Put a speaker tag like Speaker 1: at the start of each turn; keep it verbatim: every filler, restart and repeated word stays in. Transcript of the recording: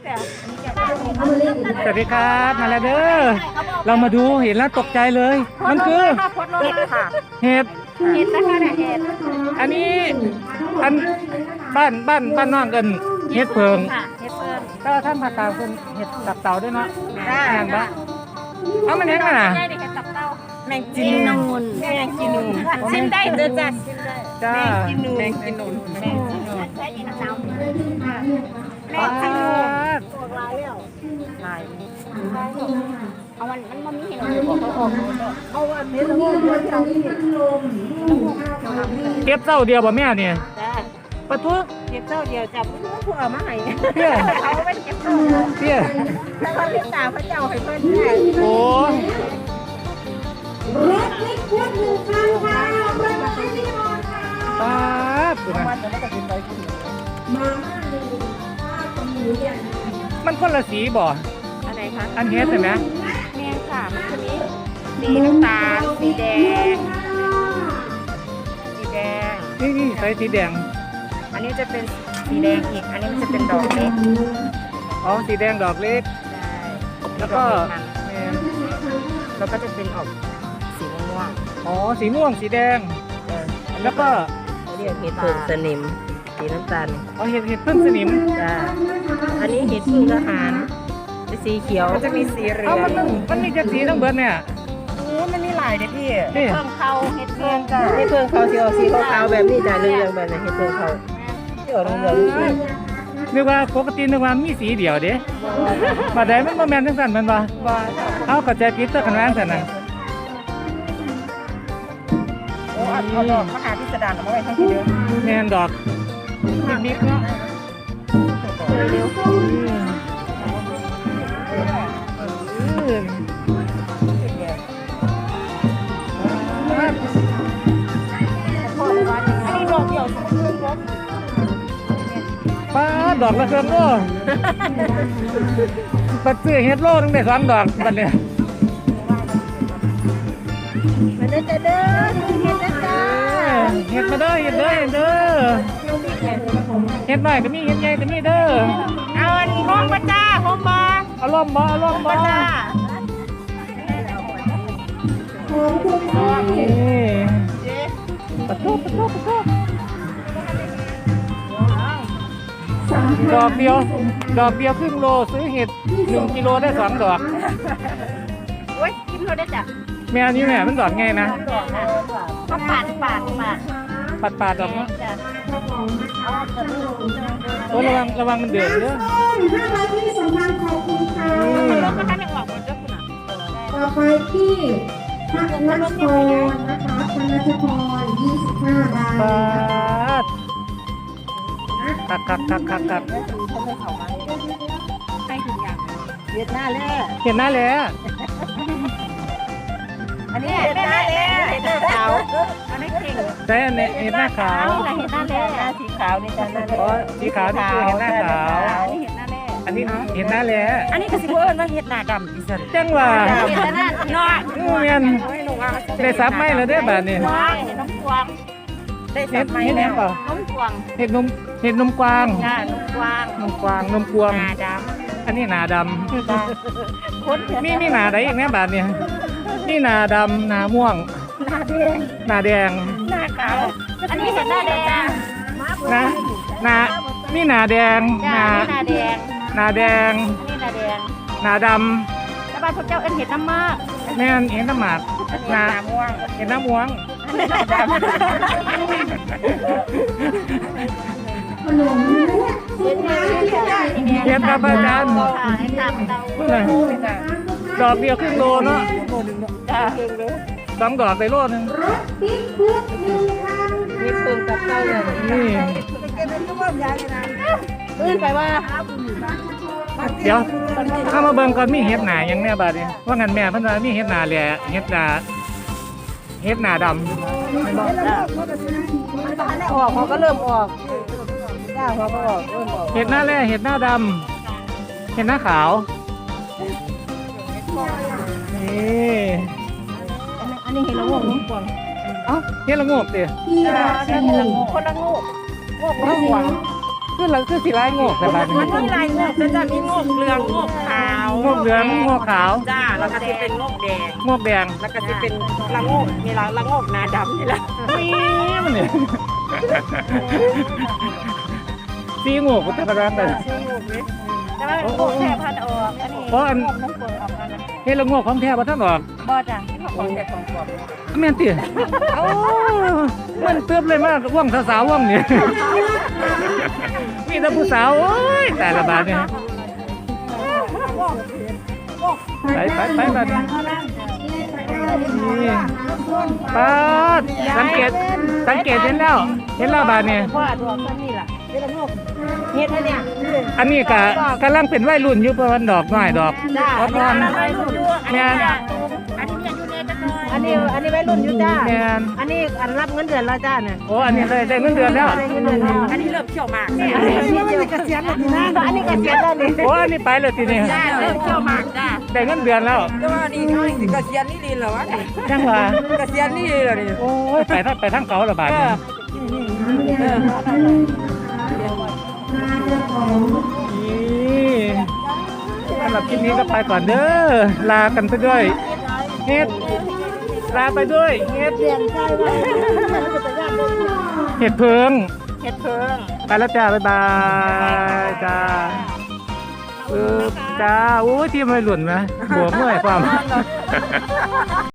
Speaker 1: สวัสดีครับมาแล้วเด้อเรามาดูเห็นแล้วตกใจเลย มันคือเห็ดค่ะเห็ดเห็ดนะคะเนี่ยเห็ดอันนี้อันบ้านบ้านบ้านน้องกันเห็ดเพิงเห็ดเพิงก็ท่านภาษาเป็นเห็ดตับเต่าด้วยเนาะแม่นปะเอามันเห็นกันนะแมงจีนูนแมงจีนูนชิมได้เด้อจ้ะจ้าแมงจีนูนแมงจีนูนแมงจีนูนแมงจีนูนแมงจีนูนตัวลายแล้วลายเอามันมันมันมีเห็นเอาอันนี้แล้วก็เก็บเจ้าเดียวบ่แม่เนี่ยปะทุเก็บเจ้าเดียวจับผู้ผู้เอามาให้เพี่ยเขาไม่เก็บเจ้าเพี่ยแล้วเขาเลี้ยงตาพระเจ้าให้เพื่อนได้โอ้รถเล็กควดหนึ่งคันค่ะรถมาที่นอนค่ะป๊าบมันจะไม่ต้องกินไปกินมาม่าหนึ่งข้าวกับหมูเย็นมันคนละสีบ่อะไรคะอันเฮ็ดใช่ไหมแม่ค่ะมันจะมีสีน้ำตาลสีแดงสีแดงนี่นี่ใส่สีแดงอันนี้จะเป็นสีแดงอีกอันนี้มันจะเป็นดอกเล็กอ๋อสีแดงดอกเล็กแล้วก็แล้วก็จะเป็นออกสีม่วงอ๋อสีม่วงสีแดงแล้วก็เรียกเห็ดเพิ่งสนิมสีน้ำตาลอ๋อเห็ดเห็ดเพิ่งสนิมจ้าอันนี้เห็ดพึ่งทหารเป็นสีเขียวมันจะมีสีเหลืองมันมันมีจะสีทั้งเบิร์ดเนี่ยโอ้มันมีหลายเลยพี่เห็ดเพิ่งเขาเห็ดเพิ่งจ้าเห็ดเพิ่งเขาสีออกสีขาวๆแบบนี้จ้าเรืองๆแบบนี้เห็ดเพิ่งเขาที่ออกเหลืองๆนึกว่าปกตินึกว่ามีสีเดียวเด้มาได้มันมาแมนทั้งสันมันวะเอากระจายพิษตัวขนาดนั้นนะโอ้เอาดอกมหาพิสดารมาไว้ทั้งที่เดียวแมนดอกนิดๆเนาะเร็วป้าดอกละเครื่องโล่ปัดเสื้อเฮ็ดโล่ตั้งแต่สองดอกบัดเนี่ยมาเด้อเด้อเฮ็ดเด้อเฮ็ดมาเด้อเฮ็ดเด้อเฮ็ดเด้อเฮ็ดหน่อยก็มีเฮ็ดใหญ่ก็มีเด้อเอาอันห้องมาจ้าห้องมาเอาล่มบ่เอาล่มบ่จ้านี่ปะทุปะทุปะทุดอกเดียวดอกเดียวครึ่งโลซื้อเห็ดหนึ่งกิโลได้สองดอกโอ้ยกินโลได้จ้ะแม่นี่แม่มันดอกไงนะก็ปาดปาดปาดปาดปาดดอกเนาะโอ้ระวังระวังมันเดือดเยอะห้าร้อยที่สำคัญขอบคุณค่ะรถก็ท่านยังออกหมดเจ้าคุณอ่ะต่อไปที่พักนัชพรนะคะพักนัชพรยี่สิบห้าบาทคักคักคักคักคักให้ถึงอย่างเห็ดหน้าแร่เห็ดหน้าแร่อันนี้เห็ดหน้าแร่เห็ดหน้าขาวอันนี้เก่งแต่อันนี้เห็ดหน้าขาวเห็ดหน้าแร่สีขาวนี่จ้ะอ๋อสีขาวนี่คือเห็ดหน้าขาวอันนี้เห็ดหน้าแร่อันนี้เห็ดหน้าแร่อันนี้ก็สิบเอิญว่าเห็ดหน้าดำดิฉันจังว่าเห็ดหน้าเนาะเมียนได้ซับไหมแล้วได้แบบนี้เห็ดน้ำกวางได้ซับไหมแล้วน้ำกวางเห็ดนมเห็ดนมกวางจ้านมกวางนมกวางนมกวางหนาดำอันนี้หนาดำมีมีหนาไหนอีกแม่บาทเนี่ยนี่หนาดำหนาม่วงหนาแดงหนาแดงหนาขาวอันนี้เห็ดหน้าแดงนะหนานี่หนาแดงหนาหนาแดงหนาแดงนี่หนาแดงหนาดำแล้วบ้านพระเจ้าเอ็นเห็ดน้ำมากแม่เห็ดน้ำหมากหนาม่วงเห็ดน้ำม่วงขนมเห็ดเห็ดกับอาจารย์ดอกเดียวครึ่งโลเนาะสองดอกไปโลนึงรถปิ๊กปุ๊บหนึ่งคันมีเพิ่งกับเต้าเลยนี่ลื่นไปว่าเดี๋ยวถ้ามาเบิ่งก่อนมีเห็ดหนาอย่างแน่บาดนี้ว่างั้นแม่เพิ่นว่ามีเห็ดหนาแหล่เห็ดหนาเห็ดหนาดำออกเขาก็เริ่มออกจ้าเขาก็ออกเริ่มออกเห็ดหน้าแร่เห็ดหน้าดำเห็ดหน้าขาวนี่อันนี้เห็ดละโงกน้ำกวางเอ้าเห็ดละโงกดิเห็ดละโงกคนละโงกโงกละกวางคือเราคือสีลายโงกแต่บาด
Speaker 2: มันมีลายงอกจะจะมีงอกเหลืองงอกขาว
Speaker 1: โงกเหลืองโงกขาว
Speaker 2: จ้าแล้วก็จะเป็นงอกแดง
Speaker 1: โงกแดง
Speaker 2: แล้วก็จะเป็นละงอกมีละละงอกหนาดำนี่แหละ
Speaker 1: นี่มันเนี่ยสีโงกแต่ละร้านแต่
Speaker 2: แต่ว่าเป็นงอกแค่พันออกอันนี้
Speaker 1: เพราะอัน
Speaker 2: งอกน้ำฝนออกมานะ
Speaker 1: เฮ็ดละโงกของแท้บ่ทันออก
Speaker 2: บ่จ้ะของแค่ของปลอม
Speaker 1: แม่นติโอ้มันเติบเลยมากว่องสาวๆว่องนี่มีแต่ผู้สาวโอ้ยแต่ละบาดเนี่ยไปไปไปบาดนี้นี่ปาดสังเกตสังเกตเห็นแล้วเห็นแล้วบาดเนี่ย
Speaker 2: ว่าตัวต้นนี่แหละเป็นละงอกเฮ็ดให้เนี่ย
Speaker 1: อันนี้ก็กำลังเป็นวัยรุ่นอยู่ประมาณดอกน้อยดอก
Speaker 2: จ้า
Speaker 1: อ่อน
Speaker 2: อันนี้รุ่นอยู่อันนี้อันนี้อยู่ในตะกอนอันนี้อันนี้ไว้รุ่นอยู่จ้า
Speaker 1: แม่น
Speaker 2: อันนี้อันรับเงินเดือนแล้วจ้าเนี่ย
Speaker 1: โอ้อันนี้เลยได้เงินเดือนแล้ว
Speaker 2: ได้เงินเดือนแล้วอันนี้เริ่มเขี่ยวมากอันนี้เกษียณแล้วนะอันนี้เกษียณแล้วนี่
Speaker 1: โอ้อันนี้ไปเลยทีนี้
Speaker 2: จ้าเริ่มเขี่ยวมากจ้า
Speaker 1: ได้เงินเดือนแล้ว
Speaker 2: แต่ว่านี่เขาสิเกษียณนี่ดีเหรอวะ
Speaker 1: จังหวะ
Speaker 2: เกษียณนี่ดีเหรอนี่
Speaker 1: โอ้ยไปทั้งไปทั้งเขาละบาดนี้
Speaker 2: เออ
Speaker 1: นี่สำหรับคลิปนี้ก็ไปก่อนเด้อลากันไปด้วยเฮ็ดลาไปด้วยเฮ็ด
Speaker 2: เปลี่ยนใจไว้
Speaker 1: เห็ดเพิง
Speaker 2: เฮ็ดเพิ่ง
Speaker 1: ไปแล้วจ้า บ๊ายบายจ้าเออจ้า โอ้ยที่ไม่หล่นนะหัวเมื่อยความ